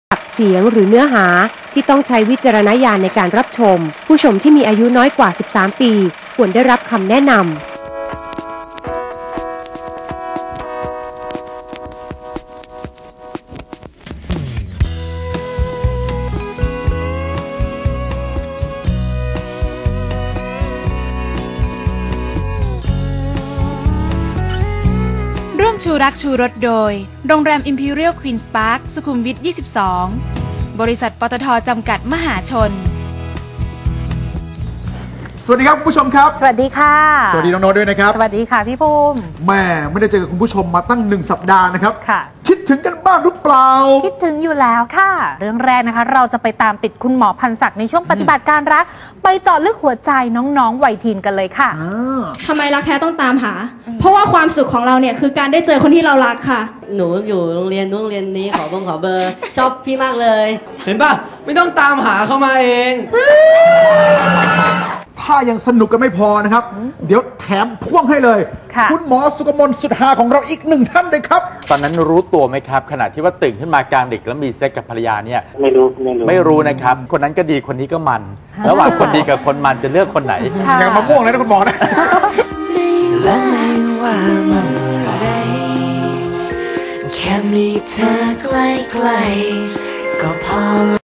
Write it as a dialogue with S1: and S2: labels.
S1: เสียงหรือเนื้อหาที่ต้องใช้วิจารณญาณในการรับชมผู้ชมที่มีอายุน้อยกว่า 13 ปีควรได้รับคำแนะนำ
S2: ร่วมชูรักชูรสโดยโรงแรม Imperial Queen's Park สุขุมวิท 22 บริษัทปตท.จำกัดมหาชน
S3: สวัสดีครับคุณผู้ชมครับ
S4: สวัสดีค่ะ
S3: สวัสดีน้องโน้ตด้วยนะครับ
S4: สวัสดีค่ะพี่ภูมิ
S3: แม่ไม่ได้เจอกับคุณผู้ชมมาตั้ง1 สัปดาห์นะครับ
S4: ค่ะ
S3: คิดถึงกันบ้างหรือเปล่า
S4: คิดถึงอยู่แล้วค่ะเรื่องแรกนะคะเราจะไปตามติดคุณหมอพันศักดิ์ในช่วงปฏิบัติการรักไปเจาะลึกหัวใจน้องๆวัยทีนกันเลยค่ะ
S5: ทำไมรักแท้ต้องตามหาเพราะว่าความสุขของเราเนี่ยคือการได้เจอคนที่เรารักค่ะ
S6: หนูอยู่โรงเรียนนี้ขอเบอร์ชอบพี่มากเลย
S7: เห็นป่ะไม่ต้องตามหาเข้ามาเอง
S3: ถ้ายังสนุกกันไม่พอนะครับเดี๋ยวแถมพ่วงให้เลยคุณหมอสุกมลสุดหาของเราอีก1 ท่านเลยครับ
S8: ตอนนั้นรู้ตัวไหมครับขณะที่ว่าตื่นขึ้นมากลางดึกแล้วมีเซ็กกับภรรยาเนี่ย
S6: ไม่
S8: รู้นะครับคนนั้นก็ดีคนนี้ก็มันระหว่างคนดีกับคนมันจะเลือกคนไหน
S3: อย่างมะม่วงเลยนะคุณหมอนะ
S9: แค่มีเธอใกล้ๆก็พอ